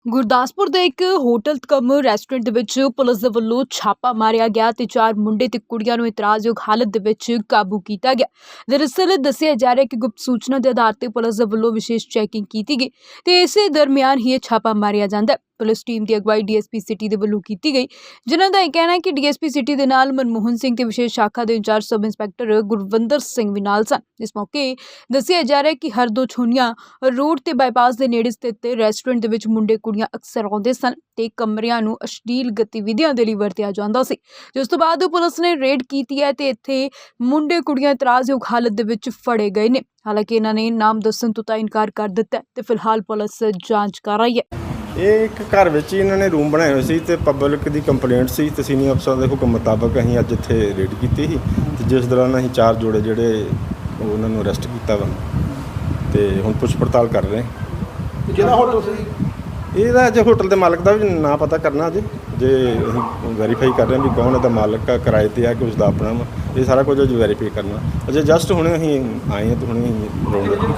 ਗੁਰਦਾਸਪੁਰ ਦੇ ਇੱਕ ਹੋਟਲ ਕਮ ਰੈਸਟੋਰੈਂਟ ਦੇ ਵਿੱਚ ਪੁਲਿਸ ਦੇ ਵੱਲੋਂ ਛਾਪਾ ਮਾਰਿਆ ਗਿਆ ਤੇ 4 ਮੁੰਡੇ ਤੇ ਕੁੜੀਆਂ ਨੂੰ ਇਤਰਾਜ਼ਯੋਗ ਹਾਲਤ ਦੇ ਵਿੱਚ ਕਾਬੂ ਕੀਤਾ ਗਿਆ। ਦਰਅਸਲ ਦੱਸਿਆ ਜਾ ਰਿਹਾ ਹੈ ਕਿ ਗੁਪਤ ਸੂਚਨਾ ਦੇ ਆਧਾਰ ਤੇ ਪੁਲਿਸ ਦੇ ਵੱਲੋਂ ਵਿਸ਼ੇਸ਼ ਚੈਕਿੰਗ ਕੀਤੀ ਗਈ ਤੇ ਇਸੇ ਦਰਮਿਆਨ ਹੀ ਇਹ ਛਾਪਾ ਮਾਰਿਆ ਜਾਂਦਾ ਹੈ। ਪੁਲਿਸ ਟੀਮ ਦੀ ਅਗਵਾਈ ਡੀਐਸਪੀ ਸਿਟੀ ਦੇ ਵੱਲੋਂ ਕੀਤੀ ਗਈ, ਜਿਨ੍ਹਾਂ ਦਾ ਇਹ ਕਹਿਣਾ ਹੈ ਕਿ ਡੀਐਸਪੀ ਸਿਟੀ ਦੇ ਨਾਲ ਮਨਮੋਹਨ ਸਿੰਘ ਤੇ ਵਿਸ਼ੇਸ਼ ਸ਼ਾਖਾ ਦੇ incharge sub inspector Gurvinder Singh ਵੀ ਨਾਲ ਸਨ। ਇਸ ਮੌਕੇ ਦੱਸਿਆ ਜਾ ਰਿਹਾ ਹੈ ਕਿ ਹਰਦੋ ਛੋਨੀਆਂ ਰੋਡ ਤੇ ਬਾਈਪਾਸ ਦੇ ਨੇੜੇ ਸਥਿਤ ਰੈਸਟੋਰੈਂਟ ਦੇ ਵਿੱਚ ਮੁੰਡੇ ਕੁੜੀਆਂ ਅਕਸਰ ਆਉਂਦੇ ਸਨ ਤੇ ਕਮਰਿਆਂ ਨੂੰ ਅਸ਼ਲੀਲ ਗਤੀਵਿਧੀਆਂ ਦੇ ਲਈ ਵਰਤਿਆ ਜਾਂਦਾ ਸੀ, ਜਿਸ ਤੋਂ ਬਾਅਦ ਪੁਲਿਸ ਨੇ ਰੇਡ ਕੀਤੀ ਹੈ ਤੇ ਇੱਥੇ ਮੁੰਡੇ ਕੁੜੀਆਂ ਇਤਰਾਜ਼ਯੋਗ ਹਾਲਤ ਦੇ ਵਿੱਚ ਫੜੇ ਗਏ ਨੇ। ਹਾਲਾਂਕਿ ਇਹਨਾਂ ਨੇ ਨਾਮ ਦੱਸਣ ਤੋਂ ਤਾਂ ਇਨਕਾਰ ਕਰ ਦਿੱਤਾ ਹੈ ਤੇ ਫਿਲਹਾਲ ਪੁਲਿਸ ਜਾਂਚ ਕਰ ਰਹੀ ਹੈ। ਇਹ ਇੱਕ ਘਰ ਵਿੱਚ ਹੀ ਇਹਨਾਂ ਨੇ ਰੂਮ ਬਣਾਏ ਹੋਏ ਸੀ ਤੇ ਪਬਲਿਕ ਦੀ ਕੰਪਲੇਂਟ ਸੀ ਤੇ ਸੀਨੀਅਰ ਅਫਸਰਾਂ ਦੇ ਹੁਕਮ ਮੁਤਾਬਕ ਅਸੀਂ ਅੱਜ ਇੱਥੇ ਰੇਡ ਕੀਤੀ ਸੀ ਤੇ ਜਿਸ ਦੌਰਾਨ ਅਸੀਂ 4 ਜੋੜੇ ਜਿਹੜੇ ਉਹਨਾਂ ਨੂੰ ਅਰੈਸਟ ਕੀਤਾ ਵਾ ਤੇ ਹੁਣ ਪੁੱਛ ਪੜਤਾਲ ਕਰ ਰਹੇ। ਕਿਹੜਾ ਹੋਟਲ ਸੀ? ਇਹਦਾ ਅਜੇ ਹੋਟਲ ਦੇ ਮਾਲਕ ਦਾ ਵੀ ਨਾਂ ਪਤਾ ਕਰਨਾ ਅਜੇ ਜੇ ਅਸੀਂ ਵੈਰੀਫਾਈ ਕਰ ਰਹੇ ਹਾਂ ਵੀ ਕੌਣ ਇਹਦਾ ਮਾਲਕ ਆ, ਕਿਰਾਏ ਤੇ ਆ ਕਿ ਉਸ ਦਾ ਆਪਣਾ ਵਾ, ਇਹ ਸਾਰਾ ਕੁਝ ਅਜੇ ਵੈਰੀਫਾਈ ਕਰਨਾ। ਅਜੇ ਜਸਟ ਹੁਣੇ ਅਸੀਂ ਆਏ ਹਾਂ ਤੇ ਹੁਣੇ ਅਸੀਂ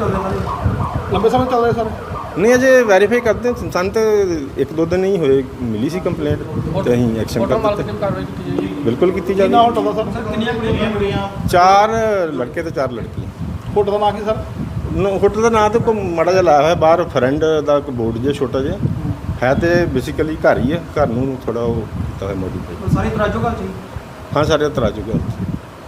ਲੰਬੇ ਸਮੇਂ ਚੱਲ ਰਿਹਾ ਸਰ? ਨਹੀਂ ਅਜੇ ਵੈਰੀਫਾਈ ਕਰਦੇ ਹਾਂ। ਸਾਨੂੰ ਤਾਂ 1-2 ਦਿਨ ਹੀ ਹੋਏ ਮਿਲੀ ਸੀ ਕੰਪਲੇਂਟ ਤੇ ਅਸੀਂ ਐਕਸ਼ਨ ਕਰ ਦਿੱਤੇ। ਬਿਲਕੁਲ ਕੀਤੀ ਜਾਵੇ। ਕਿੰਨਾ ਹੋਟਲ ਦਾ ਸਰ? ਕਿੰਨੀਆਂ ਕੁੜੀਆਂ? 4 ਲੜਕੇ ਤੇ 4 ਲੜਕੀਆਂ। ਹੋਟਲ ਦਾ ਨਾਂ ਕੀ ਸਰ? ਹੋਟਲ ਦਾ ਨਾਂ ਤਾਂ ਕੋਈ ਮਾੜਾ ਜਿਹਾ ਲਾਇਆ ਹੋਇਆ ਬਾਹਰ ਫਰੈਂਡ ਦਾ ਕੋਈ ਬੋਰਡ ਜਿਹਾ ਛੋਟਾ ਜਿਹਾ ਹੈ ਤੇ ਬੇਸਿਕਲੀ ਘਰ ਹੀ ਹੈ। ਘਰ ਨੂੰ ਥੋੜਾ ਉਹ ਕੀਤਾ ਹੋਇਆ ਮੋਡੀਫਾਈ। ਸਾਰੀ ਤਰਾਜੂ ਘਰ ਚ? ਹਾਂ ਸਾਰੇ ਤਰਾਜੂ ਘਰ ਚ।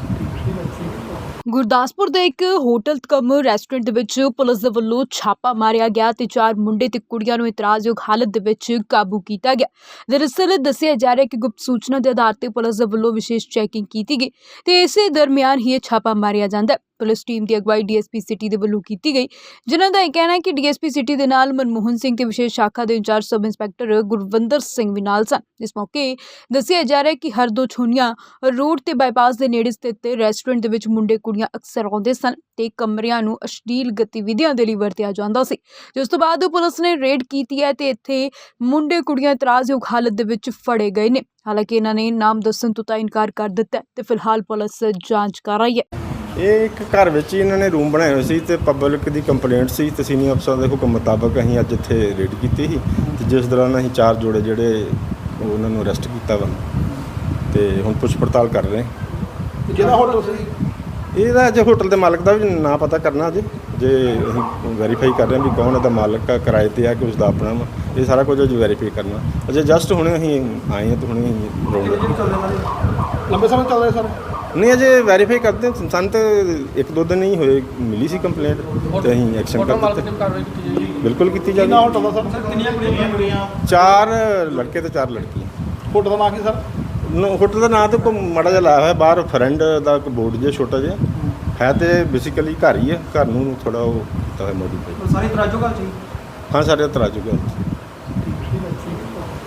ਗੁਰਦਾਸਪੁਰ ਦੇ ਇੱਕ ਹੋਟਲ ਕਮ ਰੈਸਟੋਰੈਂਟ ਦੇ ਵਿੱਚ ਪੁਲਿਸ ਦੇ ਵੱਲੋਂ ਛਾਪਾ ਮਾਰਿਆ ਗਿਆ ਤੇ 4 ਮੁੰਡੇ ਤੇ ਕੁੜੀਆਂ ਨੂੰ ਇਤਰਾਜ਼ਯੋਗ ਹਾਲਤ ਦੇ ਵਿੱਚ ਕਾਬੂ ਕੀਤਾ ਗਿਆ। ਦਰਅਸਲ ਦੱਸਿਆ ਜਾ ਰਿਹਾ ਹੈ ਕਿ ਗੁਪਤ ਸੂਚਨਾ ਦੇ ਆਧਾਰ ਤੇ ਪੁਲਿਸ ਦੇ ਵੱਲੋਂ ਵਿਸ਼ੇਸ਼ ਚੈਕਿੰਗ ਕੀਤੀ ਗਈ ਤੇ ਇਸੇ ਦਰਮਿਆਨ ਹੀ ਇਹ ਛਾਪਾ ਮਾਰਿਆ ਜਾਂਦਾ ਹੈ। ਪੁਲਿਸ ਟੀਮ ਦੀ ਅਗਵਾਈ ਡੀਐਸਪੀ ਸਿਟੀ ਦੇ ਵੱਲੋਂ ਕੀਤੀ ਗਈ, ਜਿਨ੍ਹਾਂ ਦਾ ਇਹ ਕਹਿਣਾ ਹੈ ਕਿ ਡੀਐਸਪੀ ਸਿਟੀ ਦੇ ਨਾਲ ਮਨਮੋਹਨ ਸਿੰਘ ਤੇ ਵਿਸ਼ੇਸ਼ ਸ਼ਾਖਾ ਦੇ incharge sub inspector Gurvinder Singh ਵੀ ਨਾਲ ਸਨ। ਇਸ ਮੌਕੇ ਦੱਸਿਆ ਜਾ ਰਿਹਾ ਹੈ ਕਿ ਹਰਦੋ ਛੋਨੀਆਂ ਰੋਡ ਤੇ ਬਾਈਪਾਸ ਦੇ ਨੇੜੇ ਸਥਿਤ ਰੈਸਟੋਰੈਂਟ ਦੇ ਵਿੱਚ ਮੁੰਡੇ ਕੁੜੀਆਂ ਅਕਸਰ ਆਉਂਦੇ ਸਨ ਤੇ ਕਮਰਿਆਂ ਨੂੰ ਅਸ਼ਲੀਲ ਗਤੀਵਿਧੀਆਂ ਦੇ ਲਈ ਵਰਤਿਆ ਜਾਂਦਾ ਸੀ, ਜਿਸ ਤੋਂ ਬਾਅਦ ਪੁਲਿਸ ਨੇ ਰੇਡ ਕੀਤੀ ਹੈ ਤੇ ਇੱਥੇ ਮੁੰਡੇ ਕੁੜੀਆਂ ਇਤਰਾਜ਼ਯੋਗ ਹਾਲਤ ਦੇ ਵਿੱਚ ਫੜੇ ਗਏ ਨੇ। ਹਾਲਾਂਕਿ ਇਹਨਾਂ ਨੇ ਨਾਮ ਦੱਸਣ ਤੋਂ ਤਾਂ ਇਨਕਾਰ ਕਰ ਦਿੱਤਾ ਹੈ ਤੇ ਫਿਲਹਾਲ ਪੁਲਿਸ ਜਾਂਚ ਕਰ ਰਹੀ ਹੈ। ਇਹ ਇੱਕ ਘਰ ਵਿੱਚ ਹੀ ਇਹਨਾਂ ਨੇ ਰੂਮ ਬਣਾਏ ਹੋਏ ਸੀ ਤੇ ਪਬਲਿਕ ਦੀ ਕੰਪਲੇਂਟ ਸੀ ਤੇ ਸੀਨੀਅਰ ਅਫਸਰਾਂ ਦੇ ਹੁਕਮ ਮੁਤਾਬਕ ਅਸੀਂ ਅੱਜ ਇੱਥੇ ਰੇਡ ਕੀਤੀ ਸੀ ਤੇ ਜਿਸ ਦੌਰਾਨ ਅਸੀਂ 4 ਜੋੜੇ ਜਿਹੜੇ ਉਹਨਾਂ ਨੂੰ ਅਰੈਸਟ ਕੀਤਾ ਵਾ ਤੇ ਹੁਣ ਪੁੱਛ ਪੜਤਾਲ ਕਰ ਰਹੇ। ਕਿਹੜਾ ਹੋਟਲ ਸੀ? ਇਹਦਾ ਅਜੇ ਹੋਟਲ ਦੇ ਮਾਲਕ ਦਾ ਵੀ ਨਾਂ ਪਤਾ ਕਰਨਾ ਅਜੇ ਜੇ ਅਸੀਂ ਵੈਰੀਫਾਈ ਕਰ ਰਹੇ ਹਾਂ ਵੀ ਕੌਣ ਇਹਦਾ ਮਾਲਕ ਆ, ਕਿਰਾਏ ਤੇ ਆ ਕਿ ਉਸ ਦਾ ਆਪਣਾ ਵਾ, ਇਹ ਸਾਰਾ ਕੁਝ ਅਜੇ ਵੈਰੀਫਾਈ ਕਰਨਾ। ਅਜੇ ਜਸਟ ਹੁਣੇ ਅਸੀਂ ਆਏ ਹਾਂ ਤੇ ਹੁਣੇ ਅਸੀਂ ਲੰਬੇ ਸਮੇਂ ਚੱਲ ਰਿਹਾ ਸਰ? ਨਹੀਂ ਅਜੇ ਵੈਰੀਫਾਈ ਕਰਦੇ ਹਾਂ। ਸਾਨੂੰ ਤਾਂ 1-2 ਦਿਨ ਹੀ ਹੋਏ ਮਿਲੀ ਸੀ ਕੰਪਲੇਂਟ ਤੇ ਅਸੀਂ ਐਕਸ਼ਨ ਕਰ ਦਿੱਤੇ। ਬਿਲਕੁਲ ਕੀਤੀ ਜਾਵੇ। ਕਿੰਨਾ ਹੋਟਲ ਦਾ ਸਰ? ਕਿੰਨੀਆਂ ਕੁੜੀਆਂ? 4 ਲੜਕੇ ਤੇ 4 ਲੜਕੀਆਂ। ਹੋਟਲ ਦਾ ਨਾਂ ਕੀ ਸਰ? ਹੋਟਲ ਦਾ ਨਾਂ ਤਾਂ ਕੋਈ ਮਾੜਾ ਜਿਹਾ ਲਾਇਆ ਹੋਇਆ ਬਾਹਰ ਫਰੈਂਡ ਦਾ ਕੋਈ ਬੋਰਡ ਜਿਹਾ ਛੋਟਾ ਜਿਹਾ ਹੈ ਤੇ ਬੇਸਿਕਲੀ ਘਰ ਹੀ ਹੈ। ਘਰ ਨੂੰ ਥੋੜਾ ਉਹ ਕੀਤਾ ਹੋਇਆ ਮੋਡੀਫਾਈ। ਸਾਰੀ ਤਰਾਜੂ ਘਰ ਚ? ਹਾਂ ਸਾਰੇ ਤਰਾਜੂ ਘਰ ਚ।